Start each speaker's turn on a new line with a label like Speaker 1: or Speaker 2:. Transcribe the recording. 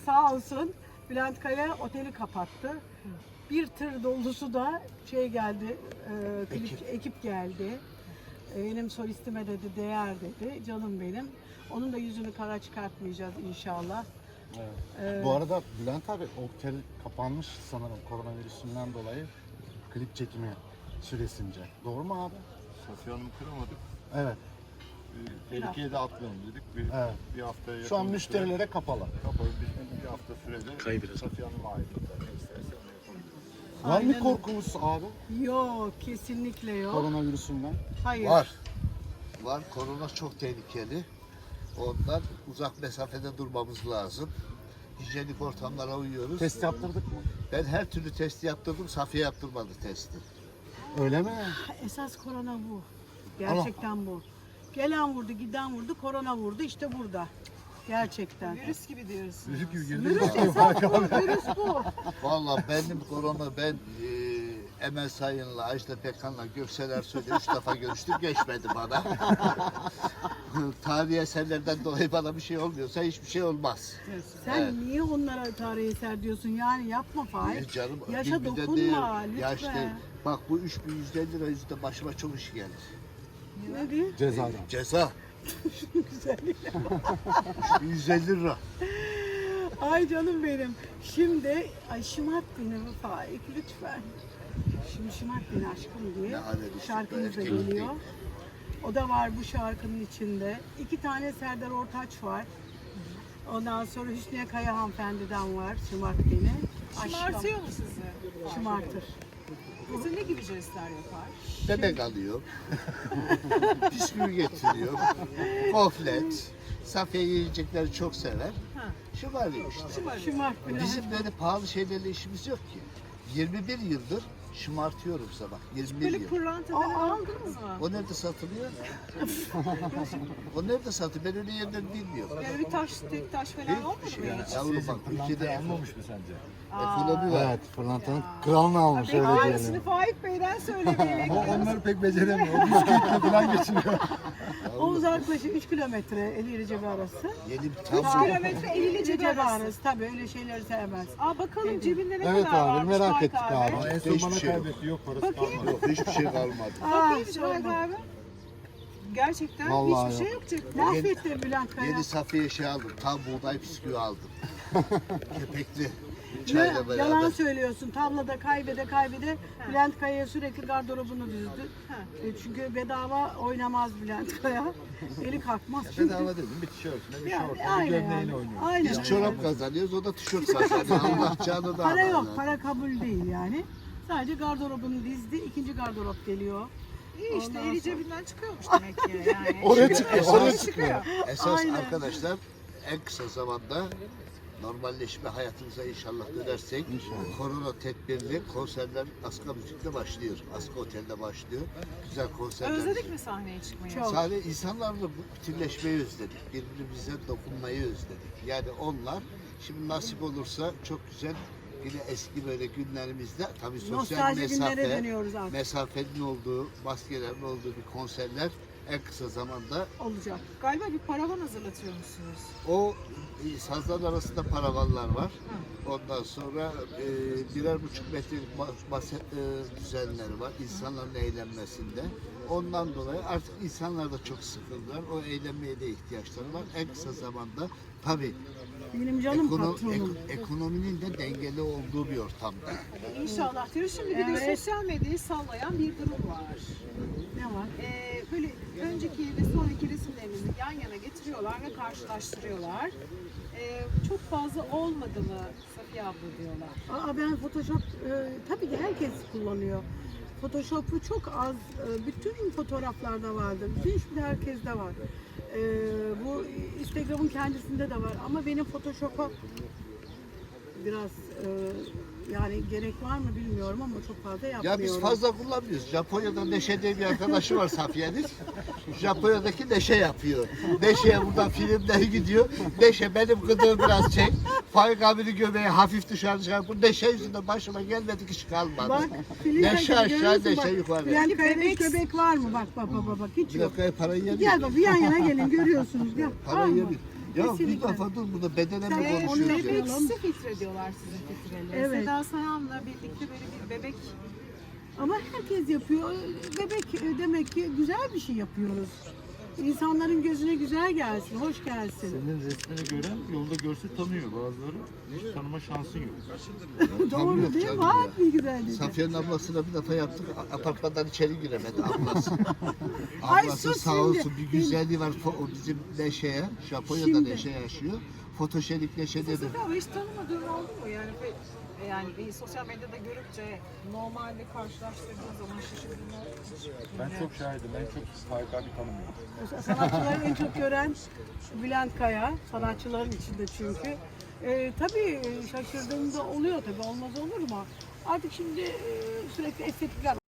Speaker 1: sağ olsun Bülent Kaya oteli kapattı. Bir tır dolusu da şey geldi, ekip geldi. Benim solistime dedi, değer dedi, canım benim. Onun da yüzünü kara çıkartmayacağız inşallah.
Speaker 2: Evet. Bu arada Bülent abi otel kapanmış sanırım koronavirüsünden dolayı klip çekimi süresince. Doğru mu abi?
Speaker 3: Safiye Hanım'ı kıramadık.
Speaker 2: Evet.
Speaker 3: Tehlikeye de atlayalım dedik. Bir haftaya yakın.
Speaker 2: Şu an müşterilere kapalı.
Speaker 3: Kapalı. Bir hafta sürede Safiye Hanım'a ait otel. Ne istersen onu yapabiliriz.
Speaker 2: Var mı
Speaker 1: Aynen.
Speaker 2: korkunuz abi
Speaker 1: Yok, kesinlikle yok.
Speaker 2: koronavirüsünden?
Speaker 1: Hayır.
Speaker 4: Var. Korona çok tehlikeli. Ondan uzak mesafede durmamız lazım. Hijyenik ortamlara uyuyoruz.
Speaker 2: Test yaptırdık mı?
Speaker 4: Ben her türlü testi yaptırdım. Safiye yaptırmadı testi.
Speaker 2: Öyle mi?
Speaker 1: Esas korona bu. Gerçekten bu. Gelen vurdu, giden vurdu, korona vurdu. İşte burada. Gerçekten.
Speaker 5: Virüs gibi diyorsun.
Speaker 3: Çocuk gibi girdik.
Speaker 1: Virüs esas bu, virüs bu.
Speaker 4: Vallahi benim korona Emel Sayın'la, Ajda Pekkan'la, Göksel Ersoy'la 3 defa görüştüm. Geçmedi bana. Tarihi eserlerden dolayı bana bir şey olmuyorsa hiçbir şey olmaz.
Speaker 1: Sen
Speaker 4: Evet.
Speaker 1: niye onlara tarihi eser diyorsun? Yani yapma Faik.
Speaker 4: Canım,
Speaker 1: Yaşa
Speaker 4: birbirine
Speaker 1: dokunma
Speaker 4: değer.
Speaker 1: lütfen.
Speaker 4: Yaşta, bak bu 3150 lira yüzünden başıma çok iş geldi.
Speaker 1: Ne diyor?
Speaker 2: Cezadan.
Speaker 4: Ceza. 3150 lira.
Speaker 1: Ay canım benim. Şimdi, ay şımart beni Faik lütfen. Şimdi şımart beni aşkım diye
Speaker 4: Ne alemi
Speaker 1: şarkımız da
Speaker 4: erkek
Speaker 1: geliyor.
Speaker 4: değil.
Speaker 1: O da var bu şarkının içinde. 2 tane Serdar Ortaç var. Ondan sonra Hüsniye Kaya hanımefendiden var. Şımart beni.
Speaker 5: Şımartıyor mu sizi?
Speaker 1: Şımartır.
Speaker 5: Mesela ne gibi jestler yapar?
Speaker 4: Bebek alıyor. Bisküvi getiriyor. Goflet. Safiye yiyecekleri çok sever. Şımarıyor işte.
Speaker 1: Şımart beni.
Speaker 4: Bizim böyle pahalı şeylerle işimiz yok ki. 21 yıldır şımartıyorum sabah. 21
Speaker 5: Böyle
Speaker 4: yıl.
Speaker 5: pırlanta falan aldınız mı?
Speaker 4: O nerede satılıyor? O nerede satılıyor? Ben öyle yerleri bilmiyorum.
Speaker 5: Yani bir taş, tek taş falan olmadı mı hiç?
Speaker 4: Yavrum bak ülkede
Speaker 3: Almamış mı sence?
Speaker 4: ekonomi var.
Speaker 2: Evet, pırlantanın kralını almış öyle
Speaker 5: Aynısını
Speaker 2: diyelim.
Speaker 5: Faik Bey'den söylemeyi
Speaker 3: Onlar pek beceremiyor. O bisküvitle falan geçiniyor.
Speaker 1: O uzaklaşık 3 kilometre Eğri Cebi arası.
Speaker 4: Yeni bir
Speaker 5: 3
Speaker 4: tam
Speaker 5: kilometre 50 ile
Speaker 1: Cebi
Speaker 5: cebi arası.
Speaker 1: arası. Tabii öyle şeyleri sevmez.
Speaker 5: Aa bakalım cebinde ne
Speaker 2: Evet
Speaker 5: kadar
Speaker 2: abi,
Speaker 5: varmış
Speaker 2: merak
Speaker 5: Faik
Speaker 2: ettik abi.
Speaker 3: En son
Speaker 4: Hiçbir
Speaker 3: bana
Speaker 4: şey yok.
Speaker 3: kaybetti. Yok parası
Speaker 5: Bakayım.
Speaker 3: kalmadı.
Speaker 4: yok, hiçbir şey kalmadı.
Speaker 5: Bakayım
Speaker 1: sorma.
Speaker 5: Faik abi. Gerçekten
Speaker 2: Vallahi
Speaker 5: hiçbir şey
Speaker 2: yok.
Speaker 5: yok cepte.
Speaker 1: Mahvetti Bülent Kaya.
Speaker 4: Yeni Safiye şey aldım. Tam buğday bisküvi aldım. Kepekli. Çayla beraber.
Speaker 1: Yalan söylüyorsun. Tabloda kaybede Bülent Kaya'ya sürekli gardırobunu düzdü. Çünkü bedava oynamaz Bülent Kaya. Eli kalkmaz çünkü.
Speaker 3: Bedava dedim. Bir tişörtüne, bir
Speaker 1: Yani,
Speaker 3: şortuna, bir
Speaker 1: aynen
Speaker 3: gömleğiyle
Speaker 1: yani.
Speaker 3: oynuyor.
Speaker 1: Aynen.
Speaker 4: Biz çorap kazanıyoruz, o da tişört kazanıyor. Allah canı da
Speaker 1: Para
Speaker 4: alır.
Speaker 1: yok, para kabul değil yani. Sadece gardırobunu dizdi, ikinci gardırop geliyor.
Speaker 5: İyi işte
Speaker 1: Ondan
Speaker 5: eli
Speaker 1: sonra-
Speaker 5: cebinden çıkıyormuş demek ki yani.
Speaker 2: Oraya çıkıyor, oraya
Speaker 5: çıkıyor.
Speaker 4: Esas
Speaker 1: Aynen.
Speaker 4: arkadaşlar en kısa zamanda normalleşme hayatımıza inşallah dönersek korona tedbirli konserler Aska Müzik'te başlıyor. Aska Otel'de başlıyor. Güzel konserler.
Speaker 5: Özledik mi sahneye çıkmayı?
Speaker 1: Çok.
Speaker 4: Sadece insanlarla bütünleşmeyi özledik. Birbirimize dokunmayı özledik. Yani onlar şimdi nasip olursa çok güzel yine eski böyle günlerimizde tabii sosyal
Speaker 1: Nostalji günlere dönüyoruz
Speaker 4: mesafe,
Speaker 1: artık.
Speaker 4: mesafenin olduğu, maskelerin olduğu bir konserler en kısa zamanda
Speaker 1: Olacak.
Speaker 5: Galiba bir paravan hazırlatıyor musunuz?
Speaker 4: o sazlar arasında paravanlar var. Ondan sonra 1,5 metrelik masa düzenleri var insanların eğlenmesinde. Ondan dolayı artık insanlar da çok sıkıldılar. O eğlenmeye de ihtiyaçları var. En kısa zamanda tabii
Speaker 1: Benim canım patronum.
Speaker 4: ekonominin de dengeli olduğu bir ortamda.
Speaker 5: İnşallah diyoruz. Şimdi bir de
Speaker 1: Evet.
Speaker 5: sosyal medyayı sallayan bir durum var.
Speaker 1: Ne var?
Speaker 5: Böyle önceki ve sonraki resimlerimizi yan yana getiriyorlar ve karşılaştırıyorlar. Çok fazla olmadı mı Safiye abla diyorlar.
Speaker 1: Ben Photoshop, tabii ki herkes kullanıyor. Photoshop'u çok az, bütün fotoğraflarda vardır. Bütün hiçbir herkeste var. Bu Instagram'ın kendisinde de var. Ama benim Photoshop'a biraz yani gerek var mı bilmiyorum ama çok fazla yapmıyorum.
Speaker 4: Ya biz fazla kullanmıyoruz. Japonya'da Neşe diye bir arkadaşı var Safiye'nin. Japonya'daki Neşe yapıyor. Neşe'ye buradan filmler gidiyor. Neşe benim gıdığı biraz çek. Faik abinin göbeği hafif dışarı çıkar. Bu Neşe yüzünden başıma gelmedik iş kalmadı.
Speaker 1: Bak,
Speaker 4: Neşe aşağı,
Speaker 1: görüyorsun
Speaker 4: Neşe
Speaker 1: bak,
Speaker 4: yukarı.
Speaker 1: Bülent Kaya'da hiç göbek var mı? Bak hiç
Speaker 4: Bir
Speaker 1: yok.
Speaker 4: dakika parayı yedik.
Speaker 1: Gel bak bir yan yana gelin görüyorsunuz. Gel.
Speaker 4: Parayı
Speaker 1: Var mı?
Speaker 4: yedik. Ya bir
Speaker 1: Kesinlikle.
Speaker 4: defa dur burada bedene mi
Speaker 1: Sen-
Speaker 4: konuşuyoruz ya?
Speaker 5: Bebeksi filtre diyorlar sizin filtreli.
Speaker 1: Evet.
Speaker 5: Seda Sayan'la birlikte böyle bir bebek
Speaker 1: Ama herkes yapıyor. Bebek demek ki güzel bir şey yapıyoruz. İnsanların gözüne güzel gelsin, hoş gelsin.
Speaker 3: Senin resmini gören yolda görse tanıyor. Bazıları hiç tanıma şansı yok.
Speaker 1: Doğru
Speaker 4: yok
Speaker 1: değil mi?
Speaker 4: canım
Speaker 1: Var
Speaker 4: ya.
Speaker 1: bir güzelliği.
Speaker 4: Safiye'nin ablasına bir defa yaptık. Apartmandan içeri giremedi ablası.
Speaker 1: Ay
Speaker 4: Ablası
Speaker 1: sus
Speaker 4: sağ
Speaker 1: şimdi.
Speaker 4: olsun bir güzelliği var. O bizim Neşe'ye, Japonya'da
Speaker 1: Şimdi.
Speaker 4: Neşe yaşıyor. Fotojenik Neşe dedi.
Speaker 5: Safiye abla hiç tanımadığın oldu mu? Yani bir sosyal medyada görünce normalde karşılaştırdığın zaman şaşırdığın oldu mu?
Speaker 3: Ben çok şahidim. Ben çok Faik abi tanımıyorum.
Speaker 1: Sanatçıları en çok gören Bülent Kaya. Sanatçıların içinde çünkü. Tabii şaşırdığımda oluyor tabii. Olmaz olur mu? Artık şimdi sürekli estetikler